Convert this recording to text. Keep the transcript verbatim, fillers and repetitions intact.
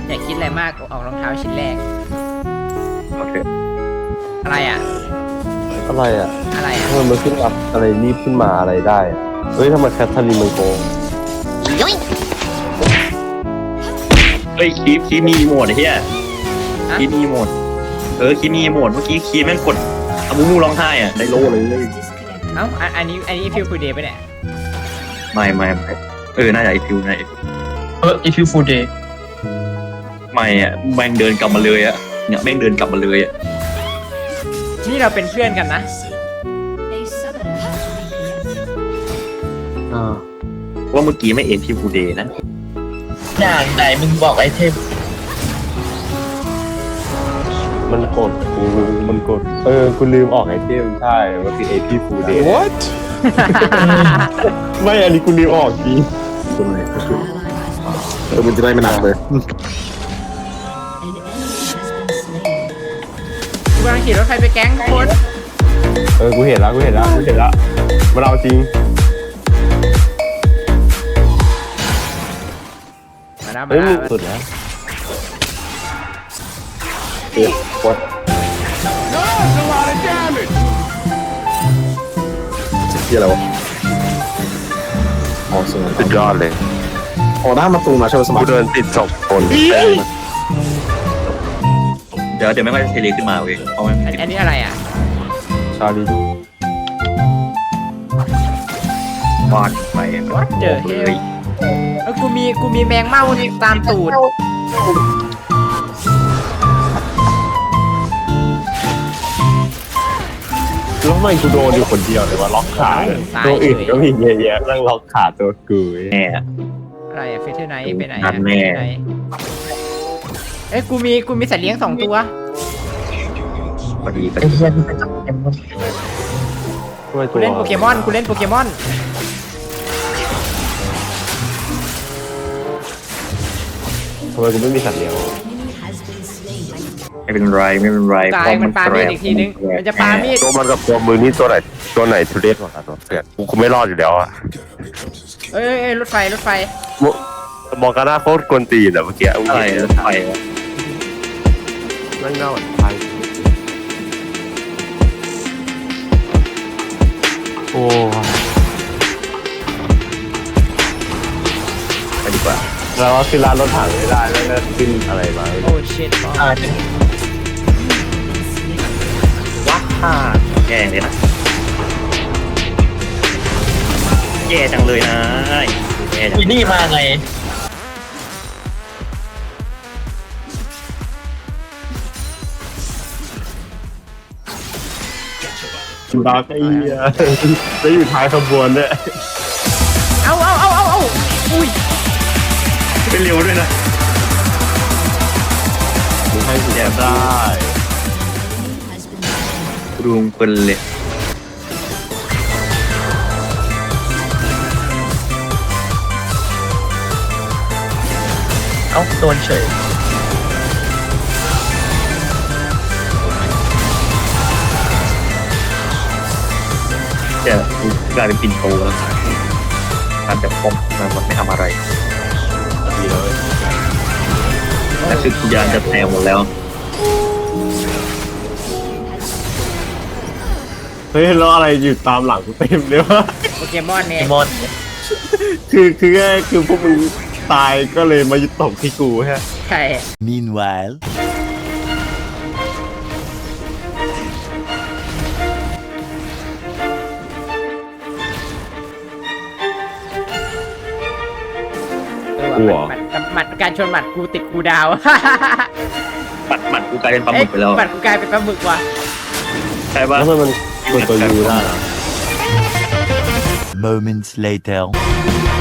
อย่าคิดอะไรมากออกรองเท้าชิ้นแรกโอเคอะไรอ่ะอะไรอ่ะอะไรอ่ะทำไมมันขึ้นอัพอะไรรีบขึ้นมาอะไรได้อะเฮ้ยทำไมแคทเธอรีนมันโกงเฮ้ยคีฟคีฟมีโหมดไอ้เหี้ยคีฟมีโหมดเออคีฟมีโหมดเมื่อกี้คีฟแม่งกดอามูมูร้องไห้อ่ะได้โล่เลยเอ้าอันอันนี้อันนี้ฟิลฟูเดย์ไปเนี่ยไม่ไม่ไม่เออน่าจะไอพิวน่าไอพิวเออ if you full day ไม่อ่ะแม่งเดินกลับมาเลยอ่ะเนี่ยแม่งเดินกลับมาเลยอ่ะนี่เราเป็นเพื่อนกันนะอ่าว่าเมื่อกี้ไม่เอ็นพิวฟูเดย์นะอย่างไหนมึงบอกไอเทมมันกดกูมันกดเออกูลืมออกไอเทมใช่มันคือเอพีฟูเดย์ What? ไม่อันนี้กูลืมออกจริงเออมันจะได้ไม่หนักเลยกูกำลังขี่รถไฟไปแก๊งทุกคนเออกูเห็นแล้วกูเห็นแล้วกูเห็นแล้วมันเอาจริงมาแล้วมาเฮ้ยแล้มึวงสุดนะเอ๊ะวัดที่อะไรวะอ๋อสมัยสุดยอดเลยอ๋อหน้ามาตูมาโชว์สมักูยเดินติดศพคนเดี๋ยวเดี๋ยวไม่ค่อยเทเลขึ้นมาเว้ยเพราะมันอันอันนี้อะไรอ่ะชาลีฟาดไป What the hell เลยเออกูมีกูมีแมงเม่าตามตูดแล้วทำไมกูโดนอยู่คนเดียวเลยวะล็อกขาตัวอื่นก็มีเยอะแยะนั่งล็อกขาตัวกูแน่อะไรอะเฟเธอร์ไนท์ไปไหนนั่อะนแน่เฟเธอร์ไนท์เอ้ยกูมีกูมีสัตว์เลี้ยงสองตัวพอดีก็ไอเทียนไปจับเกมมันทำไมตักูวเล่นโปเกมอนกูเล่นโปเกมอนทำไมกูไม่มีสัตว์เลี้ยงไม่เป็นไรไม่เป็นไรกายมันปามีดอีกทีนึงมันจะปามีดตัวมันกับตัวมือนี่ตัวไหนตัวไหนทุเรศกว่ากันวะเพื่อนกูคงไม่รอดอยู่แล้วอะเอ้ยเอ้ยเอ้ยรถไฟรถไฟมองกันหน้าโคตรกวนตีนอะเมื่อกี้อะไรรถไฟนั่งเน่าอ่ะไทยโอ้ไปดีกว่าแล้วว่าขึ้นร้านรถถังไม่ได้แล้วก็ขึ้นอะไรมาโอ้ชิตอ่าจะว้าแย่เลยนะแย่จังเลยนะแย่จังอีนี่มาไงดาร์กไอ้เหี้ยจะอยู่ท้ายขบวนเนี่ยเอาเอาเอาเอาเอาอุ้ยเป็นเร็วด้วยนะมึงให้กูได้รุงเปิลเลยเอ้าโดนเฉยแต่กลายเป็นปินโตแล้วการจะพบมันไม่ทำอะไรดีเลยแต่คือทุกอย่างจะแตกหมดแล้วเฮ้ยแล้วอะไรอยู่ตามหลังกูเต็มเลยวะโปเกมอนไอเนี่ยมอนคือคือแค่คือพวกมึงตายก็เลยมายึดตกที่กูใช่ใช่ Meanwhile เออว่ะหมัดหมัดหมัดการชนหมัดกูติดกูดาวปัดหมัดกูกลายเป็นปลาหมึกไปแล้วหมัดกูกลายเป็นปลาหมึกว่ะใช่ปะแล้วทำไมมันกดตัวยูได้นะ moments later